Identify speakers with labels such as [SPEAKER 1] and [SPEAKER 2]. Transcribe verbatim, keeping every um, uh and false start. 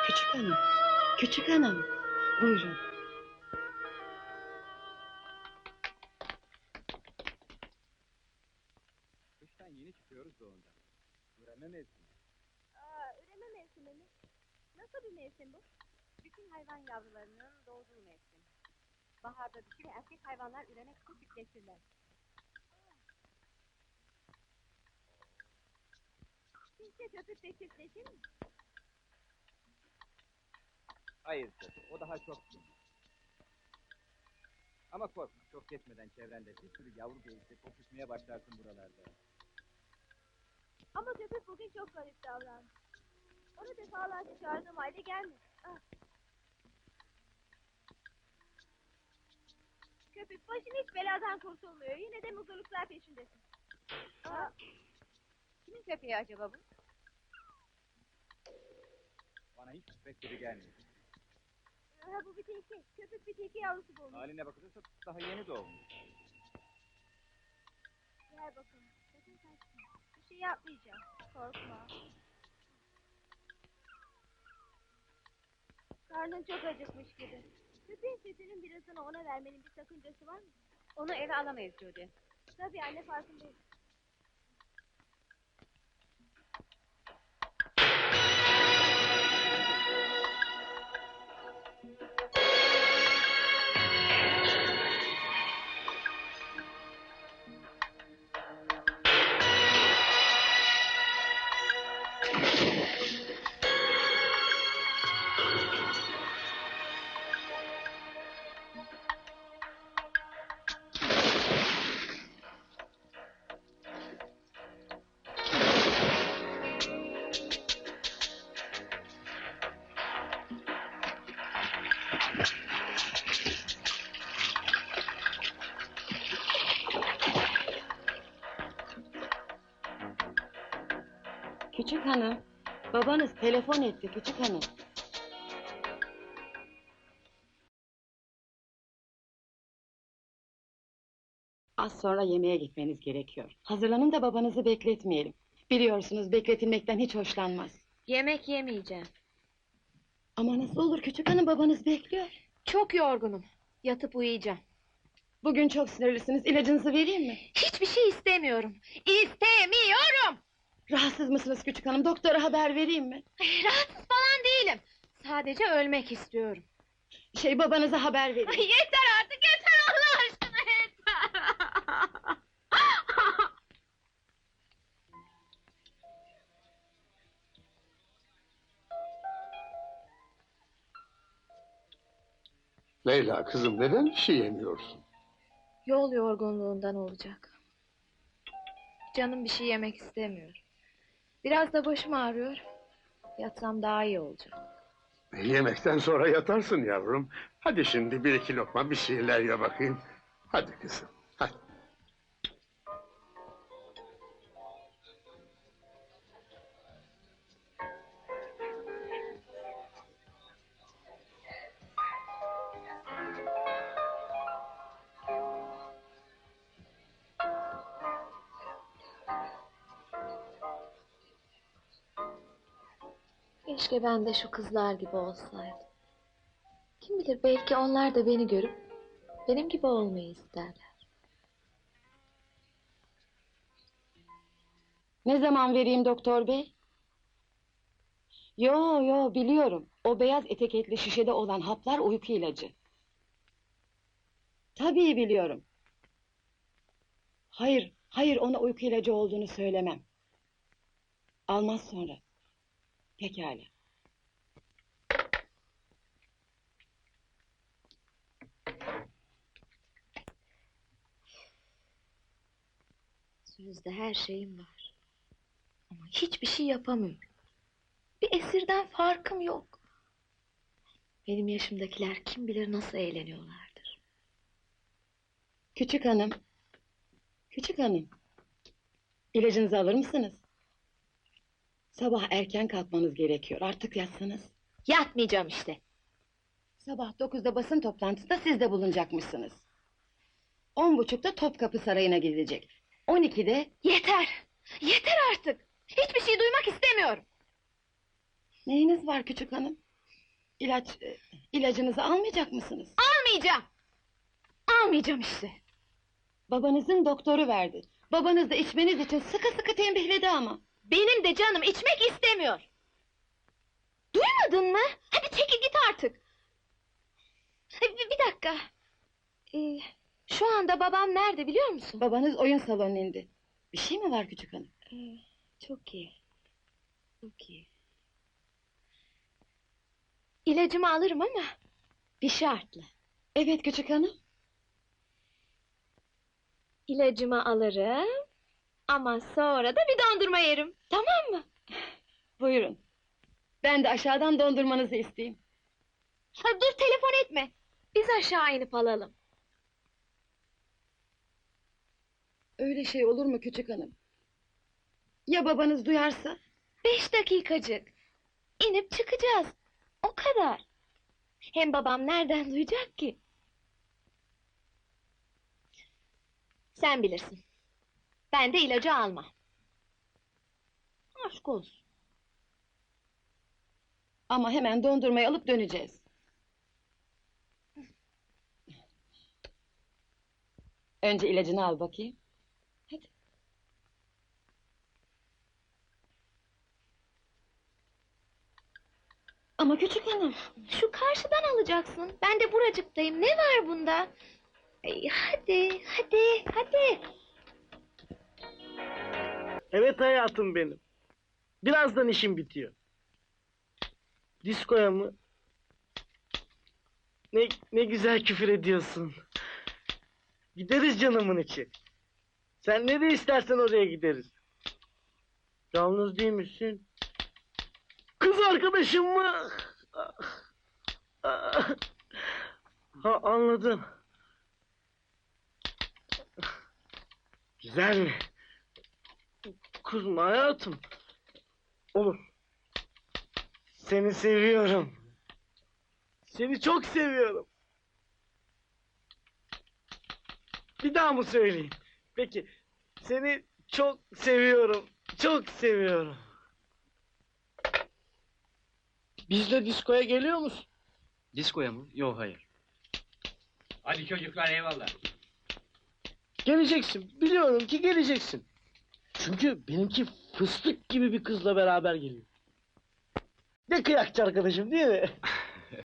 [SPEAKER 1] Küçük hanım, küçük hanım. Buyurun.
[SPEAKER 2] Kıştan yeni çıkıyoruz da ondan. Üreme mevsimi.
[SPEAKER 3] Aa, üreme mevsimi mi? Nasıl bir mevsim bu? Bütün hayvan yavrularının doğduğu mevsim. Baharda dişi ve erkek hayvanlar üremek için çiftleşirler. Sizce köpük de çiftleşir mi?
[SPEAKER 2] Hayır tabii, o daha çok gün. Ama korkma, çok geçmeden çevrende bir sürü yavru geyikle kokuşmaya başlarsın buralarda.
[SPEAKER 3] Ama köpük bugün çok garip davrandı. Onu defalarca çağırdığım halde gelmedi. Ah. Köpük başın hiç beladan kurtulmuyor. Yine de mutluluklar peşindesin. Aa. Kimin köpeği acaba bu?
[SPEAKER 2] Bana hiç köpek gibi gelmiyor.
[SPEAKER 3] Ha, bu bir tilki. Köpük bir tilki yavrusu bulmuş.
[SPEAKER 2] Haline bakılırsa daha yeni doğmuş.
[SPEAKER 3] Gel bakalım. Sakın kaçma. Bir şey yapmayacağım. Korkma. Karnın çok acıkmış gibi. Köpeğin sütünün birazını ona vermenin bir sakıncası var mı? Onu eve alamayız Jody. Tabii anne, farkındayım.
[SPEAKER 1] Küçük hanım, babanız telefon etti küçük hanım. Az sonra yemeğe gitmeniz gerekiyor. Hazırlanın da babanızı bekletmeyelim. Biliyorsunuz bekletilmekten hiç hoşlanmaz.
[SPEAKER 4] Yemek yemeyeceğim.
[SPEAKER 1] Ama nasıl olur küçük hanım, babanız bekliyor.
[SPEAKER 4] Çok yorgunum. Yatıp uyuyacağım.
[SPEAKER 1] Bugün çok sinirlisiniz, ilacınızı vereyim mi?
[SPEAKER 4] Hiçbir şey istemiyorum. İstemiyorum.
[SPEAKER 1] Rahatsız mısınız küçük hanım, doktora haber vereyim mi?
[SPEAKER 4] Rahatsız falan değilim. Sadece ölmek istiyorum.
[SPEAKER 1] Şey, babanıza haber vereyim.
[SPEAKER 4] Ay, yeter artık, yeter Allah aşkına, yeter.
[SPEAKER 5] Leyla kızım, neden bir şey yemiyorsun?
[SPEAKER 4] Yol yorgunluğundan olacak. Canım bir şey yemek istemiyor. Biraz da başım ağrıyor. Yatsam daha iyi olacak.
[SPEAKER 5] Yemekten sonra yatarsın yavrum. Hadi şimdi bir iki lokma bir şeyler ye bakayım. Hadi kızım, hadi.
[SPEAKER 4] Keşke ben de şu kızlar gibi olsaydım. Kim bilir, belki onlar da beni görüp benim gibi olmayı isterler.
[SPEAKER 1] Ne zaman vereyim doktor bey? Yo yo, biliyorum. O beyaz etiketli şişede olan haplar uyku ilacı. Tabii biliyorum. Hayır, hayır, ona uyku ilacı olduğunu söylemem. Almaz sonra. Pekala.
[SPEAKER 4] Sözde her şeyim var. Ama hiçbir şey yapamıyorum. Bir esirden farkım yok. Benim yaşımdakiler kim bilir nasıl eğleniyorlardır.
[SPEAKER 1] Küçük hanım. Küçük hanım. İlacınızı alır mısınız? Sabah erken kalkmanız gerekiyor. Artık yatsanız.
[SPEAKER 4] Yatmayacağım işte.
[SPEAKER 1] Sabah dokuzda basın toplantısında siz de bulunacakmışsınız. On buçukta Topkapı Sarayı'na gidilecek. On ikide...
[SPEAKER 4] Yeter! Yeter artık! Hiçbir şey duymak istemiyorum.
[SPEAKER 1] Neyiniz var küçük hanım? İlaç, e, ilacınızı almayacak mısınız?
[SPEAKER 4] Almayacağım. Almayacağım işte.
[SPEAKER 1] Babanızın doktoru verdi. Babanız da içmeniz için sıkı sıkı tembihledi ama.
[SPEAKER 4] Benim de canım içmek istemiyor. Duymadın mı? Hadi çekil git artık. E, Bir, bir dakika. Ee, şu anda babam nerede biliyor musun?
[SPEAKER 1] Babanız oyun salonuna indi. Bir şey mi var küçük hanım?
[SPEAKER 4] Ee, çok iyi. Çok iyi. İlacımı alırım ama bir şartla.
[SPEAKER 1] Evet küçük hanım.
[SPEAKER 4] İlacımı alırım ama sonra da bir dondurma yerim. Tamam mı?
[SPEAKER 1] Buyurun. Ben de aşağıdan dondurmanızı isteyeyim.
[SPEAKER 4] Ha, dur telefon etme. Biz aşağı inip alalım.
[SPEAKER 1] Öyle şey olur mu küçük hanım? Ya babanız duyarsa?
[SPEAKER 4] Beş dakikacık. İnip çıkacağız. O kadar. Hem babam nereden duyacak ki? Sen bilirsin. Ben de ilacı almam. Aşk olsun.
[SPEAKER 1] Ama hemen dondurmayı alıp döneceğiz. Önce ilacını al bakayım. Hadi. Ama küçük hanım.
[SPEAKER 4] Şu karşıdan alacaksın. Ben de buracıktayım. Ne var bunda? Ay, hadi, hadi, hadi.
[SPEAKER 6] Evet hayatım benim. Birazdan işim bitiyor. Diskoya mı? Ne, ne güzel küfür ediyorsun. Gideriz canımın içi. Sen nereye istersen oraya gideriz. Yalnız değil misin? Kız arkadaşım mı? Ha, anladım. Güzel mi? Kızma hayatım. Olur. Seni seviyorum. Seni çok seviyorum. Bir daha mı söyleyeyim? Peki. Seni çok seviyorum. Çok seviyorum. Bizle diskoya geliyor musun?
[SPEAKER 2] Diskoya mı? Yok hayır. Hadi çocuklar eyvallah.
[SPEAKER 6] Geleceksin. Biliyorum ki geleceksin. Çünkü benimki fıstık gibi bir kızla beraber geliyor. Ne kıyakçı arkadaşım değil mi?